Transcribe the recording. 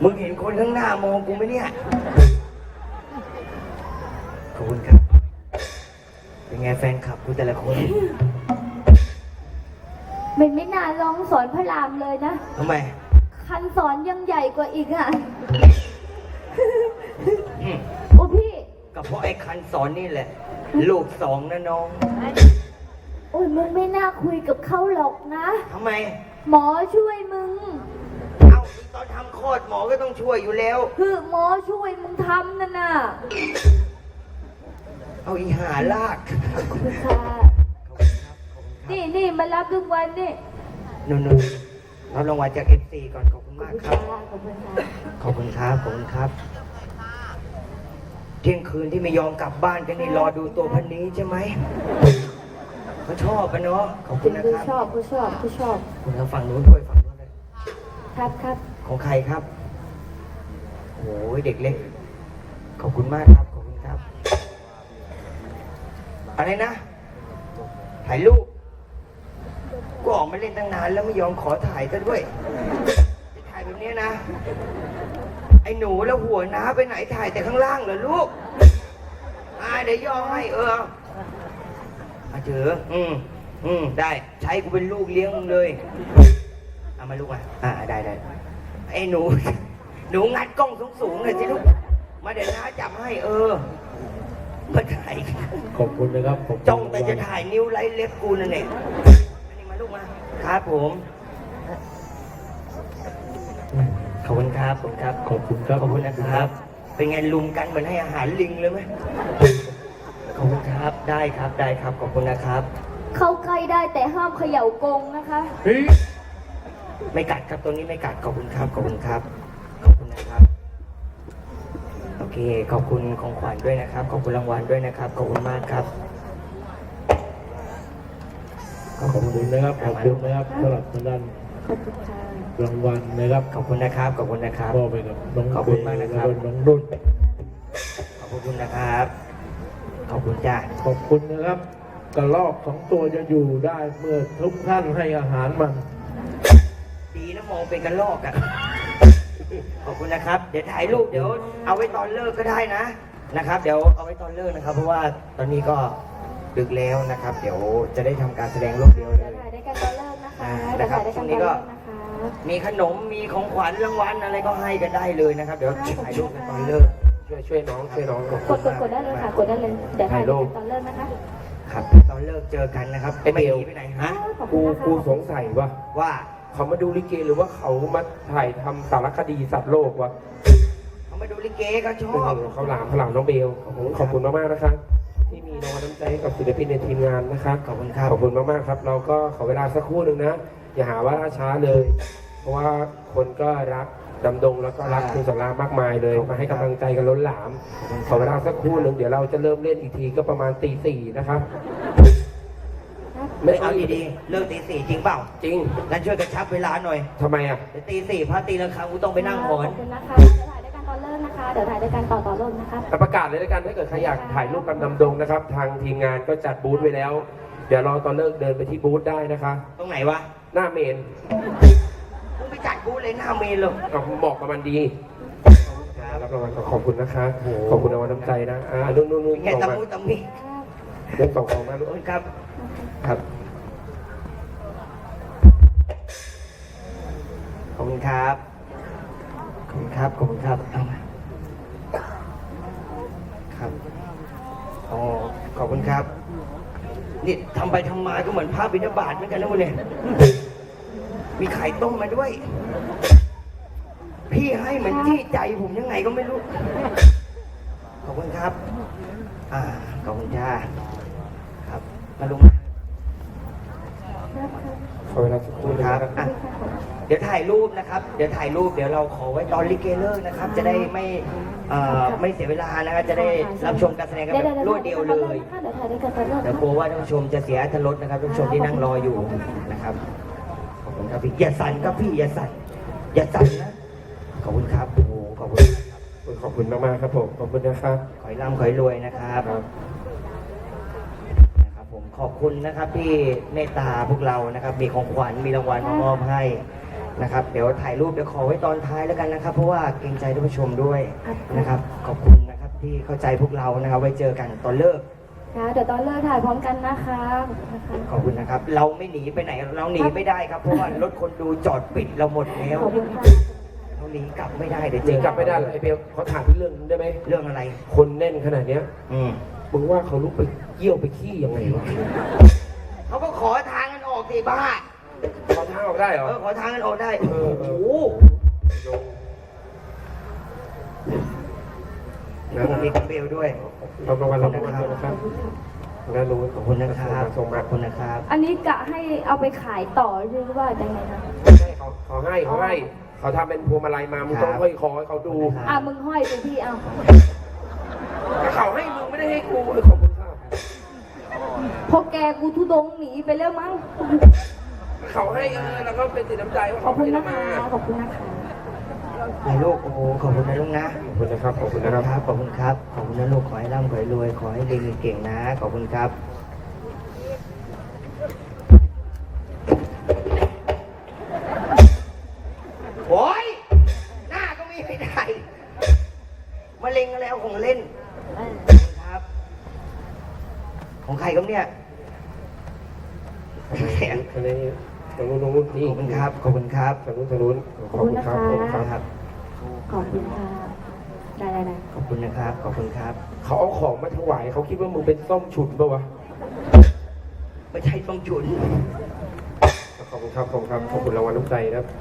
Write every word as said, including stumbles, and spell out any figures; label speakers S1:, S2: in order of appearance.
S1: มึงเห็นคนข้างหน้ามองกูไหมเนี่ยขอบคุณครับเป็นไงแฟนคลับกูแต่ละคน
S2: มันไม่น่าลองสอนพระรามเลยนะ
S1: ทำไม
S2: คันสอนยังใหญ่กว่าอีกอ่ะ
S1: อืม
S2: โอ้พี่
S1: ก็เพราะไอ้คันสอนนี่แหละ ลูกสองนะน้อง
S2: โอ้ยมึงไม่น่าคุยกับเขาหรอกนะ
S1: ทำไม
S2: หมอช่วยมึง
S1: เอ้าตอนทำคลอดหมอก็ต้องช่วยอยู่แล้ว
S2: คือหมอช่วยมึงทำนั่นน่ะ
S1: เอาอีหาลาก
S2: ขอบคุณค่ะนี่นี่มารับรางวัลนี่
S1: นุ่นๆรับรางวัลจากเอฟซีก่อนขอบคุณมากครับ
S2: ขอบคุณค่ะ
S1: ขอบคุณครับขอบคุณครับ เที่ยงคืนที่ไม่ยอมกลับบ้านกันนี่รอดูตัวพันนี้ใช่ไหมเขาชอบกันเนาะขอบคุณนะ
S2: ผู้
S1: ครับ
S2: ชอบผู้ชอบผู้ชอบ
S1: คุณทางฝั่งนู้นด้วยฝั่งนู้นเลย
S2: ครับครับ
S1: ของใครครับโอ้ยเด็กเล็ก ขอบคุณมากครับขอบคุณครับ อะไรนะถ่ายรูปก็ออกมาเล่นตั้งนานแล้วไม่ยอมขอถ่ายซะด้วยจะถ่ายแบบนี้นะ ไอ้หนูแล้วหัวน้าไปไหนถ่ายแต่ข้างล่างเหรอลูกอ่าเดี๋ยวย่อให้เออมาเถอะอืมอืมได้ใช้กูเป็นลูกเลี้ยงมึงเลยเอามาลูกมาอ่าได้ได้ไอ้หนู หนูงัดกล้องสูงๆเลยสิลูกมาเดี๋ยวน้าจับให้เออมาถ่าย
S3: ขอบคุณนะครับขอบคุณ
S1: จ้องแต่จะถ่ายนิ้วไล่เล็บกูนั่นเองอันนี้มาลูกมาครับผมขอบคุณครับขอบคุณครับ
S3: ขอบคุณครับ
S1: ขอบคุณนะครับ เป็นไงลุมกันเหมือนให้อาหารลิงเลยไหมขอบคุณครับ ได้ครับ ได้ครับ ขอบคุณนะครับ
S2: เข้าใกล้ได้แต่ห้ามเขย่ากรงนะคะ
S3: เฮ้ย
S1: ไม่กัดครับ ตัวนี้ไม่กัด ขอบคุณครับ ขอบคุณครับ ขอบคุณนะครับ โอเค ขอบคุณของขวัญด้วยนะครับ ขอบคุณรางวัลด้วยนะครับ ขอบคุณมากครับ
S3: ขอบคุณนะครับขอบคุณนะครับสำหรับทางด้าน
S2: ขอบคุณค่ะ
S3: รางวัลนะครับ
S1: ขอบคุณนะครับ ขอบคุณนะครับ
S3: มอบไปกับน้อง
S1: ขอบคุณมากนะครับ
S3: แล้วน้องนุ่น
S1: ขอบคุณนะครับ ขอบคุณจ้า
S3: ขอบคุณนะครับกระรอกสองตัวจะอยู่ได้เมื่อทุกท่านให้อาหารมัน
S1: ดีนะมองเป็นกระลอกอะขอบคุณนะครับ เดี๋ยวถ่ายรูปเดี๋ยวเอาไว้ตอนเลิกก็ได้นะนะครับ เดี๋ยวเอาไว้ตอนเลิกนะครับ เพราะว่าตอนนี้ก็ดึกแล้วนะครับ เดี๋ยวจะได้ทำการแสดงรูปเดียวเล
S2: เดี๋ยวย ถ่ายด้วยกันตอนเลิกนะคะ
S1: อ่า
S2: เดี๋ยวถ่ายด้วยกันตอนเลิกนะคะ
S1: มีขนมมีของขวัญรางวัลอะไรก็ให้กันได้เลยนะครับ เดี๋ยวถ่ายรูปกันตอนเลิกช่วยช่วยน้องช่วยน้อง
S2: กดกดกดได้เลยค่ะ กดได้เลย เดี๋ยวถ่ายด้วยกันตอนเลิกนะคะ
S1: ครับตอนเลิกเจอกันนะครับ
S3: ไอ้เบล
S1: ไม่หนีไปไหนฮะ
S2: ขอบคุ
S3: กู
S2: ณนะคะ
S3: กูสงสัยว่า
S1: ว่า
S3: เขามาดูลิเกหรือว่าเขามาถ่ายทำสารคดีสัตว์โลกวะ
S1: เขามาดูลิเกก็ช
S3: เอ
S1: อบ
S3: อเขาหลามเขาหลามน้องเบลขอบคุณมากๆนะครับที่มีน้องน้ำใจให้กับศิลปินในทีมงานนะครับ
S1: ขอบคุณครับ
S3: ขอบคุณมากๆครับ เราก็ขอเวลาสักครู่หนึ่งนะ อย่าหาว่าล่าช้าเลย เพราะว่าคนก็รักดำดงแล้วก็รักคุณสารามากมายเลย มาให้กำลังใจกันล้นหลาม ขอเวลาสักครู่หนึ่งเดี๋ยวเราจะเริ่มเล่นอีกทีก็ประมาณตีสี่นะครับ
S1: ไม่เอาดีๆเลิกตีสี่จริงเปล่า
S3: จริง
S1: งั้นช่วยกระชับเวลาหน่อย
S3: ทำไมอ่ะ
S1: เดี๋ยวตีสี่พระตีละครั้งกูต้องไปนั่งหอน
S2: ขอบคุณนะคะ เดี๋ยวถ่ายด้วยกันตอนเลิกนะคะ เดี๋ยวถ่ายด้วยกันต่อต่อเลิกนะคะ
S3: แต่ประกาศเลยแล้วกันถ้าเกิดใครอยากถ่ายรูปกับดำดงนะครับ ทางทีมงานก็จัดบูธไว้แล้ว เดี๋ยวรอตอนเลิกเดินไปที่บูธได้นะคะ
S1: ตรงไหนวะ
S3: หน้าเมน
S1: มึงไปจัดกูเลยหน้าเมนเลย
S3: กับเหมาะกับมันดีรับรางวัลขอบคุณนะคะ ขอบคุณรางวัลน้ำใจนะอ่านุ่นนุ่นนุ่น
S1: แก
S3: ส่ง
S1: ตะ
S3: มา
S1: มูตะมี
S3: เรื่องส่งของมา
S1: ข
S3: ลู
S1: อบ
S3: ก
S1: คุณครับ
S3: ครับ
S1: ขอบคุณครับ ขอบคุณครับ ขอบคุณครับเอามาครับ อ๋อ ขอบคุณครับ นี่ทำไปทำมาก็เหมือนภาพบิณฑบาตเหมือนกันนะมึงเนี่ย มีไข่ต้มมาด้วย พี่ให้เหมือนที่ใจผมยังไงก็ไม่รู้ ขอบคุณครับ อ่า ขอบคุณจ้า ครับ มาลุงมา
S3: ขอเวลาสักครู่นะ
S1: ค
S3: ค
S1: รั
S3: รั
S1: บบ อ่ะเดี๋ยวถ่ายรูปนะครับ เดี๋ยวถ่ายรูป เดี๋ยวเราขอไว้ตอนลิเกเลิกนะครับ จะได้ไม่เอ่อไม่เสียเวลานะครับ จะได้รับชมการแสดงกันแบบรวดเดียวเลย
S2: เดี๋ยวถ่ายด้วยกันตอนเลิก
S1: เดี๋ยวกลัวว่าท่านผู้ชมจะเสียอรรถรสนะครับท่านผู้ชมที่นั่งรออยู่นะครับ ขอบคุณครับพี่อย่าสั่นครับพี่อย่าสั่นอย่าสั่นนะ ขอบคุณครับ โอ้โหขอบคุณมากครับ
S3: ขอบคุณมากๆครับผม ขอบคุณนะครับ
S1: ขอให้ร่ำขอให้รวยนะครับ
S3: ครับ
S1: นะครับผมขอบคุณนะครับที่เมตตาพวกเรานะครับ มีของขวัญมีรางวัลมามอบให้นะครับเดี๋ยวถ่ายรูปเดี๋ยวขอไว้ตอนท้ายแล้วกันนะครับ เพราะว่าเกรงใจท่านผู้ชมด้วยนะครับ ขอบคุณนะครับที่เข้าใจพวกเรานะครับ ไว้เจอกันตอนเลิก
S2: ค่ะเดี๋ยวตอนเลิกถ่ายพร้อมกันนะคะขอบคุณนะคะ
S1: ขอบคุณนะครับ เราไม่หนีไปไหนเราหนีไม่ได้ครับเพราะว่ารถคนดูจอดปิดเราหมดแล้ว
S2: ขอบคุณค่ะ
S1: เราหนีกลับไม่ได้เดี๋ยว
S3: ห
S1: เจ
S3: นี
S1: อก
S3: ลับไม่ได้เลยไอ้เบลเขาถามพี่เรื่องนึงได้ไหม
S1: เรื่องอะไร
S3: คนแน่นขนาดเนี้ย
S1: อืม
S3: มึงว่าเขาลุกไปเยี่ยวไปขี้ยังไงวะ
S1: เขาก็ขอทางกันออกสิบ้า
S3: เขาทางออกได้เหรอ
S1: เออขอทางกันออกได้
S3: เออเอ
S1: โอ้
S3: อ
S1: โห
S3: นะ
S1: ผมมีกับเบลด้วย
S3: เราประวันเราประวันด้วยนะครับด้านนู้น
S1: ขอบคุณนะครับ
S3: ส่ง
S1: ข
S3: มา
S1: อบคุณนะครับ
S2: อันนี้กะให้เอาไปขายต่อหรือว่ายังไงคะ
S3: ใช่เขาเขาให้เขาให้เขาทำเป็นพวงมาลัยมามึงต้องห้อยคอให้เขาดู
S2: อ่ะมึงห้อยไปพี่เอา
S3: เขาให้มึงไม่ได้ให้กูเออขอบคุณครับ
S2: พอแกกูทุดงหนีไปแล้วมั้ง
S3: เขาให้เออแล้วก็เป็นสีน้ำใจว่า
S2: ขอ
S3: เขา
S2: บคุณ
S3: ให้
S2: นะ
S3: มา
S2: คะขอบคุณนะคะ
S1: ไอ้ลูกโอ้โหขอบคุณนะลูกนะ
S3: ขอบคุณนะครับขอบคุณ
S1: ขอบ
S3: นะค
S1: คุ
S3: รับ
S1: ณครับ ขอบคุณครับ ขอบคุณนะลูก ขอให้ร่ำขอให้รวย ขอให้เรียนเก่งๆนะ ขอบคุณครับ โอ้ยหน้าก็มีไม่ได้มะเร็งอะไรเอาของเล่นขอบคุณครับ ของใครครับเนี่ย
S3: อันนี้ตรงนู้นตรงนู้นนี่
S1: ขอบคุณครับ ขอบคุณครับ
S3: ทางนู้นทางนู้นขอบคุณครับขอบคุณครับ
S1: ครับ
S2: ขอบคุณค่ะได้ได้ได้
S1: ขอบคุณนะครับ ขอบคุณครับ
S3: เขาเอาของมาถวายเขาคิดว่ามึงเป็นส้มฉุนปะวะ
S1: ไม่ใช่ต้องจุน
S3: ขอบคุณครับขอบคุณครับขอบคุณรางวัลน้ำใจนะครับ